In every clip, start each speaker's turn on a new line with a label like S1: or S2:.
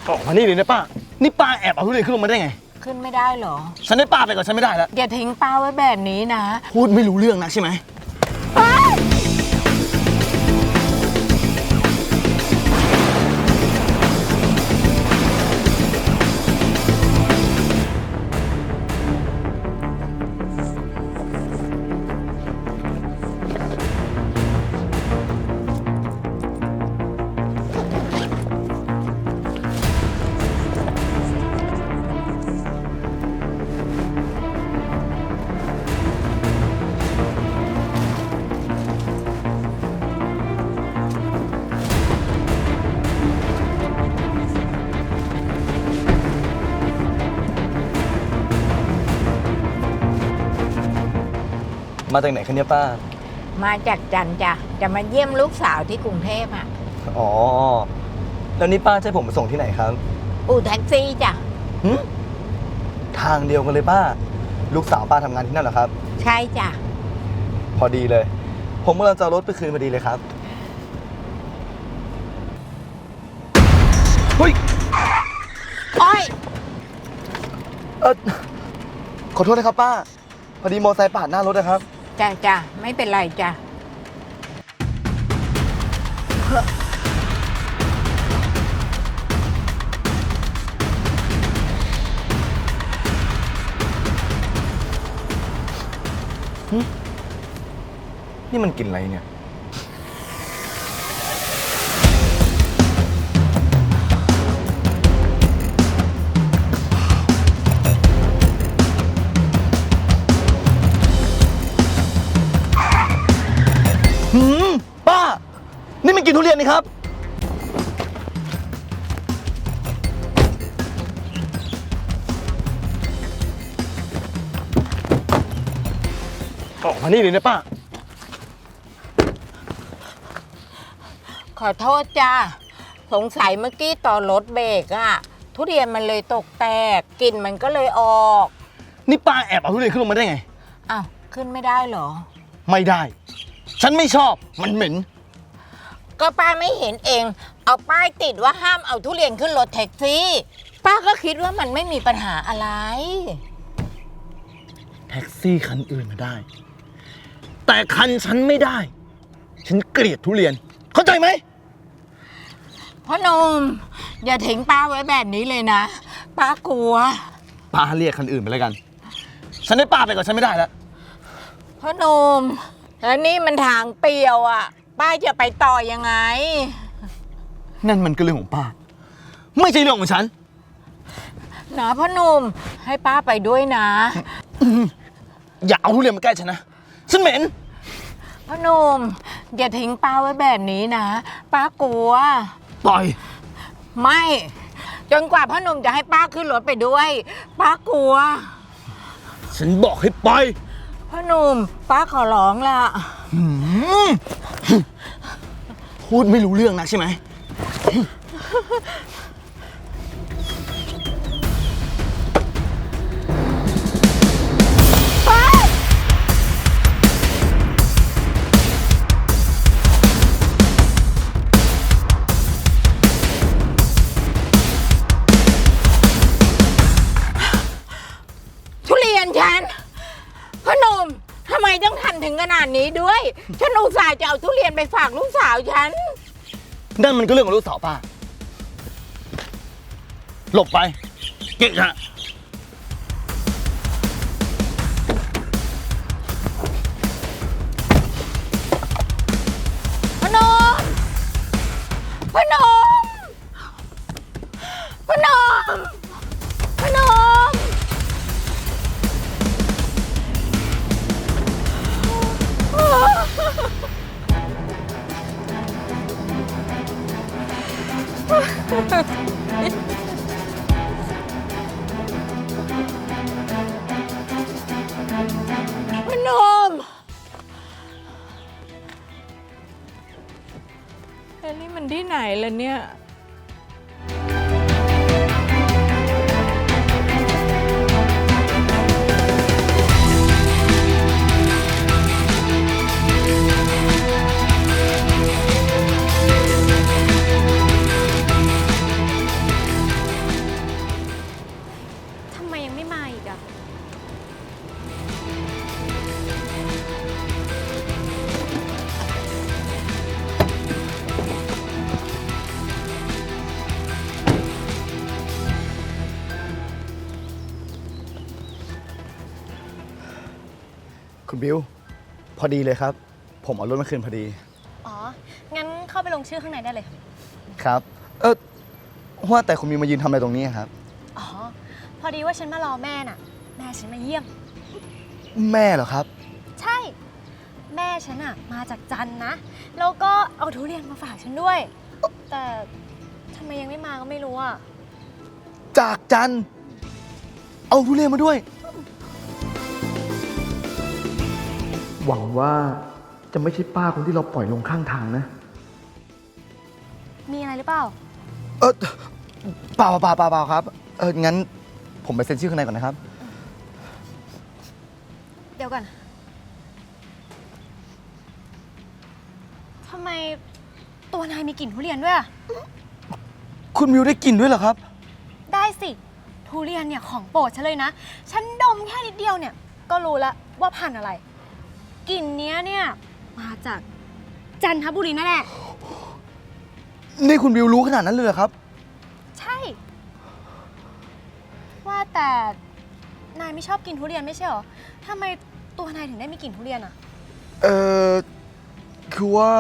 S1: ออกมานี่เลยนะป้านี่ป้าแอบเอาทุเรียนขึ้นลงมาได้ไง
S2: ขึ้นไม่ได้เหรอ
S1: ฉันได้ป้าไปก่อนฉันไม่ได้แล้ว
S2: อย่าทิ้งป้าไว้แบบนี้นะ
S1: พูดไม่รู้เรื่องนะใช่ไหมมาจากไหนคะเนี่ยป้า
S2: มาจากจันจ้ะจะมาเยี่ยมลูกสาวที่กรุงเทพอ่ะ
S1: อ๋อแล้วนี่ป้าจะให้ผมไปส่งที่ไหนครับ
S2: อู่แท็กซี่จ้ะ
S1: ทางเดียวกันเลยป้าลูกสาวป้าทำงานที่นั่นเหรอครับ
S2: ใช่จ้ะ
S1: พอดีเลยผมกำลังจะเอารถไปคืนพอดีเลยครับเฮ้ย
S2: อ้อย
S1: ขอโทษนะครับป้าพอดีมอเตอร์ไซค์ปาดหน้ารถนะครับ
S2: จ้ะไม่เป็นไรจ้ะ
S1: นี่มันกินอะไรเนี่ยป้านี่มันกินทุเรียนนี่ครับออกมานี่เลยนะป้า
S2: ขอโทษจ้ะสงสัยเมื่อกี้ตอนรถเบรกอะทุเรียนมันเลยตกแตกกลิ่นมันก็เลยออก
S1: นี่ป้าแอบเอาทุเรียนขึ้นลงมาได้ไง
S2: อ้าวขึ้นไม่ได้เหรอ
S1: ไม่ได้ฉันไม่ชอบมันเหม็น
S2: ก็ป้าไม่เห็นเองเอาป้ายติดว่าห้ามเอาทุเรียนขึ้นรถแท็กซี่ป้าก็คิดว่ามันไม่มีปัญหาอะไร
S1: แท็กซี่คันอื่นมาได้แต่คันฉันไม่ได้ฉันเกลียดทุเรียนเข้าใจไหม
S2: พ่อหนุ่มอย่าทิ้งป้าไว้แบบนี้เลยนะป้ากลัว
S1: ป้าเรียกคันอื่นไปแล้วกันฉันได้ป้าไปก่อนฉันไม่ได้แล้ว
S2: พ่อหนุ่มแล้วนี่มันทางเปลี่ยวอ่ะป้าจะไปต่อยังไง
S1: นั่นมันก็เรื่องของป้าไม่ใช่เรื่องของฉัน
S2: นะพ่อหนุ่มให้ป้าไปด้วยนะ
S1: อย่าเอาทุเรียนมาใกล้ฉันนะฉันเหม็น
S2: พ่อหนุ่มอย่าทิ้งป้าไว้แบบนี้นะป้ากลัว
S1: ปล่อย
S2: ไม่จนกว่าพ่อหนุ่มจะให้ป้าขึ้นรถไปด้วยป้ากลัว
S1: ฉันบอกให้ปล่อย
S2: พ่อหนุ่มป้าขอร้องละ
S1: พูดไม่รู้เรื่องนะใช่ไหม
S2: ฉันพ่อหนุ่มทำไมต้องทำถึงขนาดนี้ด้วยฉันอุตส่าห์จะเอาทุเรียนไปฝากลูกสาวฉัน
S1: นั่นมันก็เรื่องของลูกสาวป้าหลบไปเกะกะ
S2: พ่อหนุ่มพ่อหนุ่มพ่อหนุ่มพ่อหนุ่มพนมแล้วนี่มันที่ไหนล่ะเนี่ย
S3: คุณบิวพอดีเลยครับ ผมเอารถมาคืนพอดี
S4: อ๋อ งั้นเข้าไปลงชื่อข้างในได้เลย
S3: ครับ ว่าแต่คุณบิวมายืนทำอะไรตรงนี้ครับ
S4: อ๋อ พอดีว่าฉันมารอแม่น่ะ แม่ฉันมาเยี่ยม
S3: แม่เหรอครับ
S4: ใช่ แม่ฉันอะมาจากจันทร์นะ แล้วก็เอาทุเรียนมาฝากฉันด้วย แต่ทำไมยังไม่มาก็ไม่รู้อะ
S3: จากจันทร์เอาทุเรียนมาด้วย
S1: หวังว่าจะไม่ใช่ป้าคนที่เราปล่อยลงข้างทางนะ
S4: มีอะไรหรือเปล่า
S3: เปล่าครับ งั้นผมไปเซ็นชื่อข้างในก่อนนะครับ
S4: เดี๋ยวก่อน ทำไมตัวนายมีกลิ่นทุเรียนด้วยอะ
S3: คุณบิวได้กลิ่นด้วยเหรอครับ
S4: ได้สิ ทุเรียนเนี่ยของโปรดฉันเลยนะ ฉันดมแค่นิดเดียวเนี่ย ก็รู้แล้วว่าพันธุ์อะไร กลิ่นเนี้ยเนี่ยมาจากจันทบุรีนั่นแหละ
S3: นี่คุณบิวรู้ขนาดนั้นเลยเหรอครับ
S4: ใช่ ว่าแต่นายไม่ชอบกินทุเรียนไม่ใช่หรอทำไมตัวนายถึงได้มีกลิ่นทุเรียนอะ
S3: คือว่า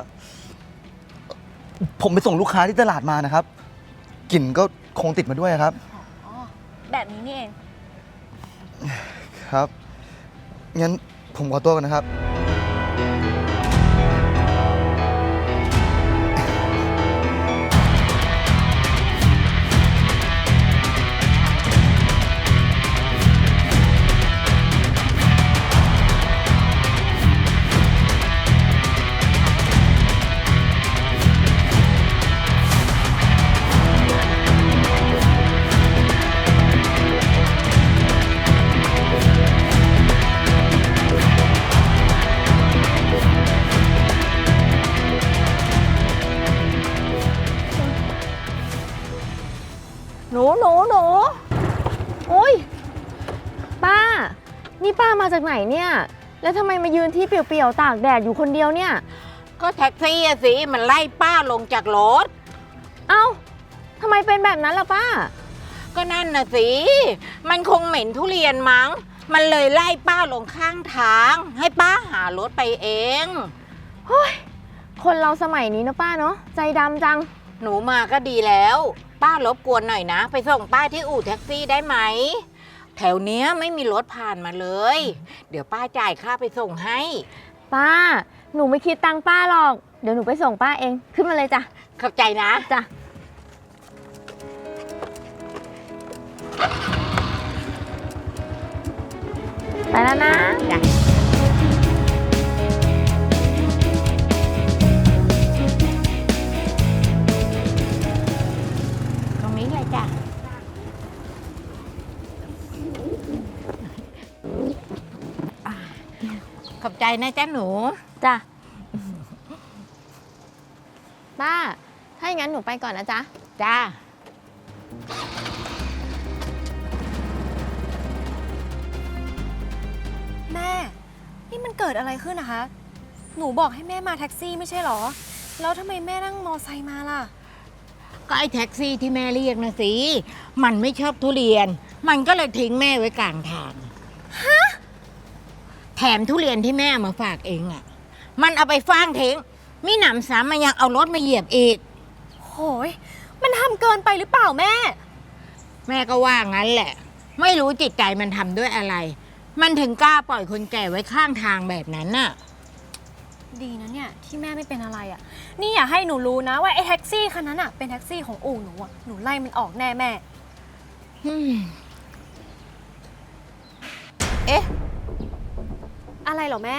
S3: ผมไปส่งลูกค้าที่ตลาดมานะครับ กลิ่นก็คงติดมาด้วยครับ
S4: อ๋อ แบบนี้นี่เอง
S3: ครับ งั้นผมขอตัวก่อนนะครับ
S4: หนูอุ้ยป้า นี่ป้ามาจากไหนเนี่ย แล้วทำไมมายืนที่เปลี่ยวๆตากแดดอยู่คนเดียวเนี่ย
S2: ก็แท็กซี่อะสิมันไล่ป้าลงจากรถ
S4: เอ้าทำไมเป็นแบบนั้นล่ะป้า
S2: ก็นั่นน่ะสิ มันคงเหม็นทุเรียนมั้ง มันเลยไล่ป้าลงข้างทาง ให้ป้าหารถไปเอง
S4: คนเราสมัยนี้นะป้าเนาะ ใจดำจัง
S2: หนูมาก็ดีแล้ว ป้ารบกวนหน่อยนะ ไปส่งป้าที่อู่แท็กซี่ได้ไหม แถวเนี้ยไม่มีรถผ่านมาเลย เดี๋ยวป้าจ่ายค่าไปส่งให้
S4: ป้า หนูไม่คิดตังค์ป้าหรอก เดี๋ยวหนูไปส่งป้าเอง ขึ้นมาเลยจ้ะ
S2: ขอบใจนะ
S4: จ้ะ ไปแล้วนะ
S2: จ้ะ ตรงนี้เลยจ้ะ ขอบใจนะจ๊ะหนู
S4: จ้ะ ป้า ถ้าอย่างนั้นหนูไปก่อนนะจ๊ะ
S2: จ้า
S4: แม่ นี่มันเกิดอะไรขึ้นนะคะ หนูบอกให้แม่มาแท็กซี่ไม่ใช่หรอ แล้วทำไมแม่นั่งมอไซค์มาล่ะ
S2: ก็ไอ้แท็กซี่ที่แม่เรียกนะสิ มันไม่ชอบทุเรียน มันก็เลยทิ้งแม่ไว้กลางทาง แถมทุเรียนที่แม่เอามาฝากเองอ่ะ มันเอาไปฟ้างทิ้งมิหนำซ้ำมันยังเอารถมาเหยียบอีก
S4: โหย มันทำเกินไปหรือเปล่าแม่
S2: แม่ก็ว่างั้นแหละ ไม่รู้จิตใจมันทำด้วยอะไร มันถึงกล้าปล่อยคนแก่ไว้ข้างทางแบบนั้นน่ะ
S4: ดีนะเนี่ยที่แม่ไม่เป็นอะไรอะ่ะ นี่อย่าให้หนูรู้นะว่าไอ้แท็กซี่คันนั้นอ่ะเป็นแท็กซี่ของอู่หนูอ่ะ หนูไล่มันออกแน่แม่
S2: เอ๊ะ
S4: อะไรเหรอแม่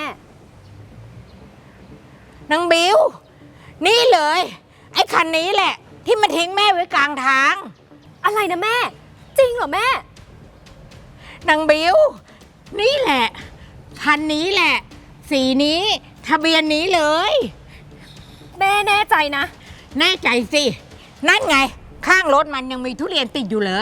S2: นางบิว นี่เลย ไอ้คันนี้แหละ ที่มันทิ้งแม่ไว้กลางทาง
S4: อะไรนะแม่ จริงเหรอแม่
S2: นางบิว นี่แหละ คันนี้แหละ สีนี้ทะเบียนนี้เลย
S4: แม่แน่ใจนะ
S2: แน่ใจสิ นั่นไง ข้างรถมันยังมีทุเรียนติดอยู่เลย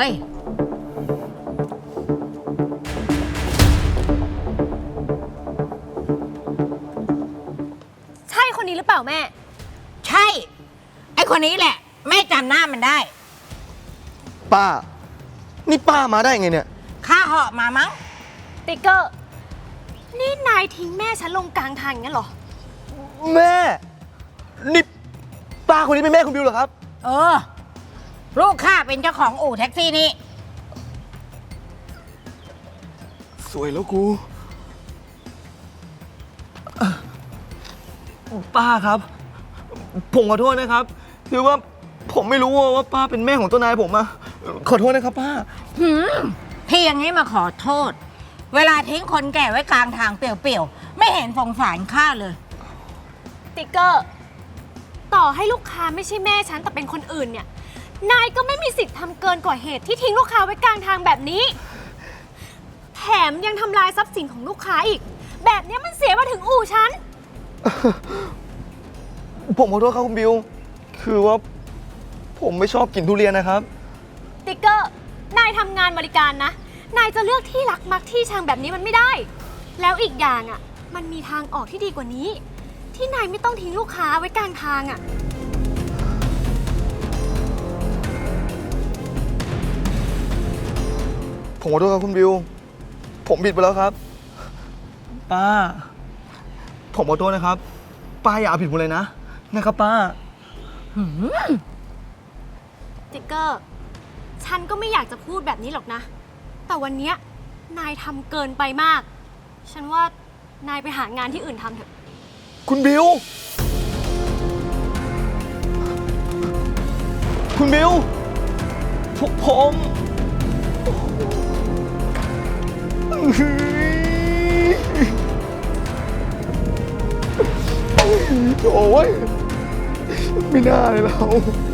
S4: ใช่คนนี้หรือเปล่าแม่
S2: ใช่ ไอ้คนนี้แหละ แม่จำหน้ามันได้
S3: ป้า นี่ป้ามาได้ไงเนี่ย
S2: ข้าเหาะมามั้ง
S4: ติ๊กเกอร์นี่นายทิ้งแม่ฉันลงกลางทางอย่างนั้นเหรอ
S3: แม่ นี่ป้าคนนี้เป็นแม่คุณบิวเหรอครับ
S2: เออ ลูกข้าเป็นเจ้าของอู่แท็กซี่นี่
S3: สวยแล้วกูป้าครับ ผมขอโทษนะครับ คือว่าผมไม่รู้ว่าป้าเป็นแม่ของเจ้านายผมอะขอโทษนะครับป้า
S2: ที่อย่างนี้มาขอโทษ เวลาทิ้งคนแก่ไว้กลางทางเปลี่ยวๆ ไม่เห็นสงสารข้าเลย
S4: ติ๊กเกอร์ ต่อให้ลูกค้าไม่ใช่แม่ฉันแต่เป็นคนอื่นเนี่ย นายก็ไม่มีสิทธิ์ทำเกินกว่าเหตุที่ทิ้งลูกค้าไว้กลางทางแบบนี้ แถมยังทำลายทรัพย์สินของลูกค้าอีก แบบนี้มันเสียมาถึงอู่ฉัน
S3: ผมขอโทษครับคุณบิว คือว่าผมไม่ชอบกินทุเรียนนะครับ
S4: ติ๊กเกอร์ นายทำงานบริการนะ นายจะเลือกที่รักมักที่ชังแบบนี้มันไม่ได้ แล้วอีกอย่างอ่ะ มันมีทางออกที่ดีกว่านี้ ที่นายไม่ต้องทิ้งลูกค้าไว้กลางทางอ่ะ
S3: ผมขอโทษครับคุณบิว ผมผิดไปแล้วครับ ป้า ผมขอโทษนะครับ ป้าอย่าเอาผิดผมเลยนะครับป้า
S4: ติ๊กเกอร์ ฉันก็ไม่อยากจะพูดแบบนี้หรอกนะ แต่วันเนี้ยนายทำเกินไปมาก ฉันว่านายไปหางานที่อื่นทำเถอะ
S3: คุณบิว คุณบิวผมโอ้ยไม่น่าเลยเรา